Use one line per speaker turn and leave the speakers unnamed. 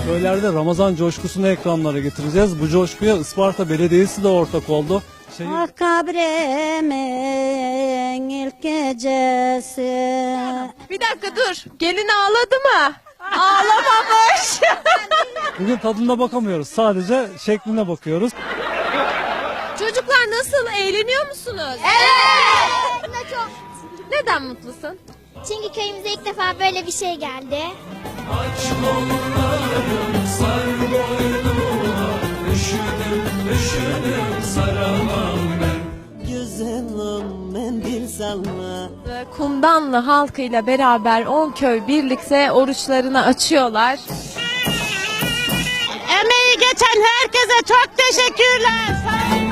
Köylerde Ramazan coşkusunu ekranlara getireceğiz. Bu coşkuya Isparta Belediyesi de ortak oldu.
Ah kabremin ilk gecesi.
Bir dakika dur. Gelin ağladı mı? Ağlamamış.
Bugün tadına bakamıyoruz. Sadece şekline bakıyoruz.
Çocuklar nasıl? Eğleniyor musunuz?
Evet. Çok.
Neden mutlusun?
Çünkü köyümüze ilk defa böyle bir şey geldi.
Kumdanlı halkıyla beraber 10 köy birlikte oruçlarını açıyorlar.
Emeği geçen herkese çok teşekkürler. Sağ olun.